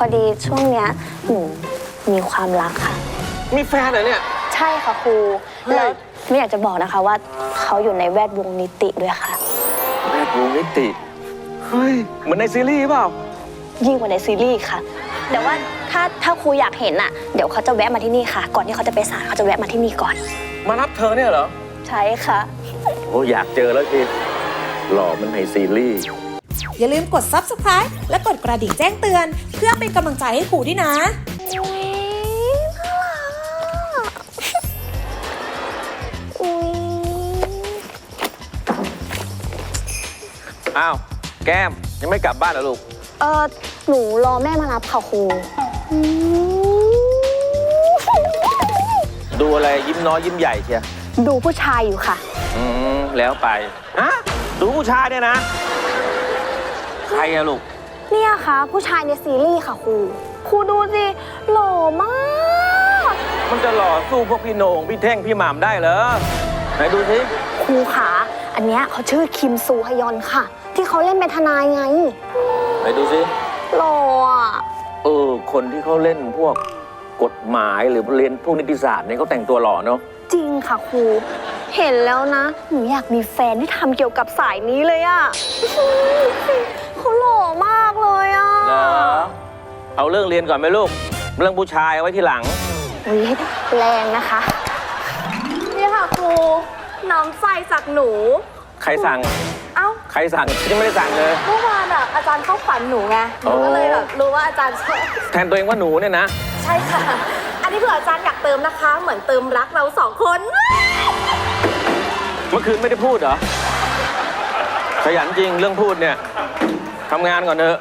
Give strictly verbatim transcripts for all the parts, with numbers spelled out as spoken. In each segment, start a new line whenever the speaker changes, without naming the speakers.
อดีช่วงเนี้ยหนูมีความรักค่ะ
มีแฟนเหรอเนี่ย
ใช่ค่ะครูแล้วไม่อยากจะบอกนะคะว่าเขาอยู่ในแวดวงนิติด้วยค่ะ
แวดวงนิติเฮ้ยเหมือนในซีรีส์เปล่า
ยิ่งกว่าในซีรีส์ค่ะแต่ว่าถ้าถ้าครูอยากเห็นน่ะเดี๋ยวเขาจะแวะมาที่นี่ค่ะก่อนที่เขาจะไปศาลเขาจะแวะมาที่นี่ก่อน
มารับเธอเนี่ยเหรอ
ใช่ค่ะ
โอ้อยากเจอแล้วทีหล่อมันในซีรีส์
อย่าลืมกด ซับสไครบ์ และกดกระดิ่งแจ้งเตือนเพื่อเป็นกำลังใจให้ครูด้วยนะ
อ้าวแก้มยังไม่กลับบ้านเหรอลูก
เออหนูรอแม่มารับค่ะครู
ดูอะไรยิ้มน้อยยิ้มใหญ่เชีย
ดูผู้ชายอยู่ค่ะ
อืมแล้วไปฮะดูผู้ชายเนี่ยนะใครอะลูก
เนี่ยค่ะผู้ชายในซีรีส์ค่ะครูครูดูสิหล่อมาก
มันจะหล่อสู้พวกพี่โหน่งพี่เท่งพี่หม่ำได้เหรอไหนดูสิ
ครูขาอันเนี้ยเขาชื่อคิมซูฮยอนค่ะที่เขาเล่นเป็นทนายไง
ไหนดูสิ
หล่ออ่ะ
เออคนที่เขาเล่นพวกกฎหมายหรือเรียนพวกนิติศาสตร์เนี่ยเขาแต่งตัวหล่อเนาะ
จริงค่ะครูเห็นแล้วนะหนูอยากมีแฟนที่ทำเกี่ยวกับสายนี้เลยอ่ะเขาหล่อมากเลยอ่ะ
เอาเรื่องเรียนก่อนไหมลูกเรื่องผู้ชายเอาไว้ทีหลัง
อุ๊ยแรงนะคะนี่ค่ะครูน้ำใสจากหนู
ใครสั่ง
เอ้า
ใครสั่งยังไม่ได้สั่งเลย
เมื่อวานอ่ะอาจารย์เข้าฝันหนูไงหนูก็เลยแบบรู้ว่าอาจารย์ชอบ
แทนตัวเองว่าหนูเนี่ยนะ
ใช่ค่ะอันนี้เผื่ออาจารย์อยากเติมนะคะเหมือนเติมรักเราสองคน
เมื่อคืนไม่ได้พูดเหรอขยันจริงเรื่องพูดเนี่ยทำงานก่อนเถอะ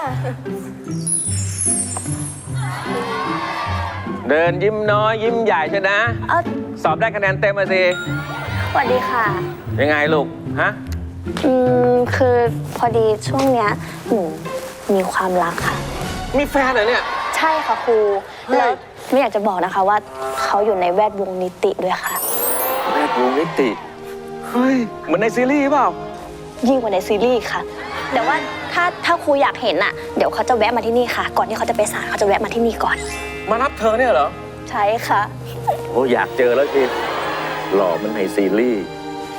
เดินยิ้มน้อยยิ้มใหญ่ใช่นะสอบได้คะแนนเต็มมาสิ
สวัสดีค่ะ
ยังไงลูกฮะ
อืมคือพอดีช่วงเนี้ยหนูมีความรักค่ะ
มีแฟนเหรอเนี่ย
ใช่ค่ะครูแล้วไม่อยากจะบอกนะคะว่าเขาอยู่ในแวดวงนิติด้วยค่ะ
แวดวงนิติเฮ้ยเหมือนในซีรีส์เปล่า
ยิ่งกว่าในซีรีส์ค่ะแต่ว่าถ้าถ้าครูอยากเห็นน่ะเดี๋ยวเขาจะแวะมาที่นี่ค่ะก่อนที่เขาจะไปศาลเขาจะแวะมาที่นี่ก่อน
มารับเธอเนี่ยเหรอ
ใช่ค่ะ
โอ้อยากเจอแล้วทีหล่อมันในซีรีส์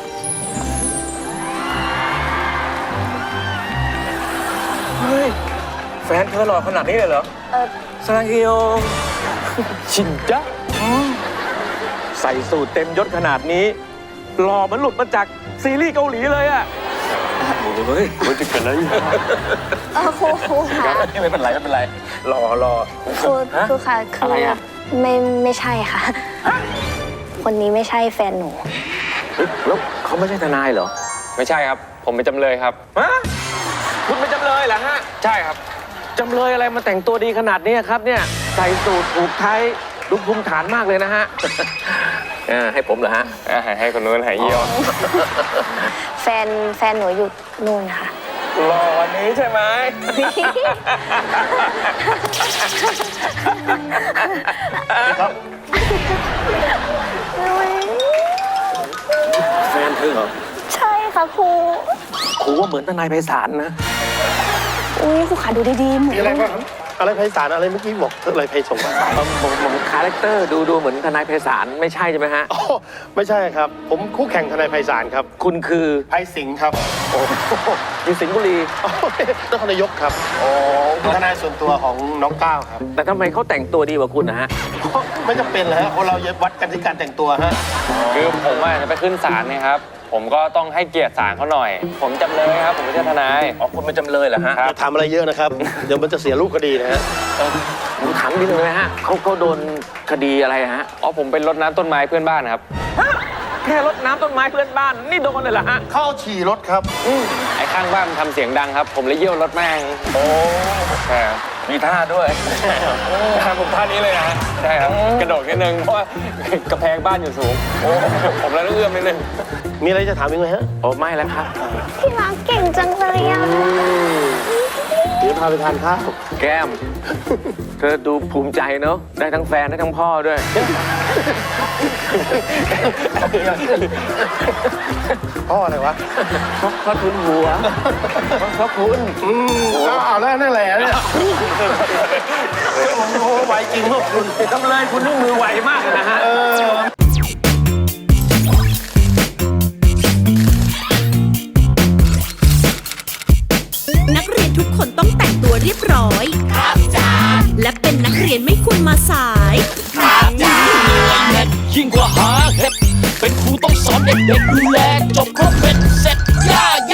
เฮ้ยแฟนเธอหล่อขนาดนี้เลยเหรอเออซาเกียวชินจ๊ะใส่สูทเต็มยศขนาดนี้หล่อมันหลุดมาจากซีรีส์เกาหลีเลยอะเฮ้ยมันจะเกิดอะไร
เออครูครูค่ะ
ไม่เป็นไรไม่เป็นไรรอรอ
ครูครูค่ะคือไม่ไม่ใช่ค่ะคนนี้ไม่ใช่แฟนหนู
แล้วเขาไม่ใช่ทนายเหรอ
ไม่ใช่ครับผมเป็นจำเลยครับ
ฮะคุณเป็นจำเลยเหรอฮะ
ใช่ครับ
จำเลยอะไรมาแต่งตัวดีขนาดนี้ครับเนี่ยใส่สูทผูกไทยดูภูมิฐานมากเลยนะฮะให้ผมเหรอฮะ
ให้คนนู้นให้เยี่ยว
แฟนแฟนหนูอยู่นู่นค่ะ
รอวันนี้ใช่ไหมครับแฟนเธอเหรอ
ใช่ค่ะครู
ครูว่าเหมือนทนายไพศาลนะ
อุ้ยครูขาดูดีๆเหมือน
อะไรบ้างอะไรไพศาลอะไรเมื่อกี้บอกอะไรไพศง
ผมผมคาแรคเตอร์ดูดูเหมือนทนายไพศาลไม่ใช่ใช่ไหมฮะ
อ๋อไม่ใช่ครับผมคู่แข่งทนายไพศาลครับ
คุณคือ
ไพสิงห์ครับ
โอ้อยู่สิงห์บุรี
นครนายกครับโอ้ทนายส่วนตัวของน้องก้าวครับ
แต่ทำไมเขาแต่งตัวดีกว่าคุณนะฮะ
ไม่จำเป็นเลยฮะคนเราเย็บวัดกันที่การแต่งตัวฮะ
คือผมว่าจะไปขึ้นศาลเนี่ยครับผมก็ต้องให้เกียรติศาลเขาหน่อยผมจำเลยครับผมไม่ใช่ทนาย
อ๋อคุณเป็นจำเลยเหรอฮะ
จะทำอะไรเยอะนะครับเดี๋ยวมันจะเสียรูปคดีนะฮะ
ผมถามนิดนึงเลยฮะเขาเขาโดนคดีอะไรฮะ
อ๋อผมเป็นรดน้ำต้นไม้เพื่อนบ้านครับ
แค่รดน้ำต้นไม้เพื่อนบ้านนี่โดนเลยเหรอฮะ
เข้าฉี่รถครับ
ไอ้ข้างบ้านมันทำเสียงดังครับผมเลยเยี่ยวรถแม่ง
โอ้
ใช่
มีท่าด้วย
ผมท่านี้เลยนะใช่ครับกระโดดนิดนึงเพราะว่ากระแพงบ้านอยู่สูงโอ้ผมเลยต้องเอื้อมนิดนึง
มีอะไรจะถามอีกไหมฮะ
โอ้ไม่แล้วครับ
พี่รักเก่งจังเลยอ่ะ
เดี๋ยวพาไปทานข้าว
แก้มเธอดูภูมิใจเนาะได้ทั้งแฟนได้ทั้งพ่อด้วย
พ่ออะไรวะ
พระทุนหัวพระคุณ
อืมเอาเอาแล้วนั่นแหละเนี่ยโอ้โหไวจริงพวกคุณ
จำเลยคุณนี่มือไวมากเลยนะฮะ
เออ
นักเรียนทุกคนต้องแต่งตัวเรียบร้อย ครับจ้าและเป็นนักเรียนไม่ควรมาสาย
ยิ่งกว่าหาเห็ดเป็นครูต้องสอนเด็กๆดูแลจบครบ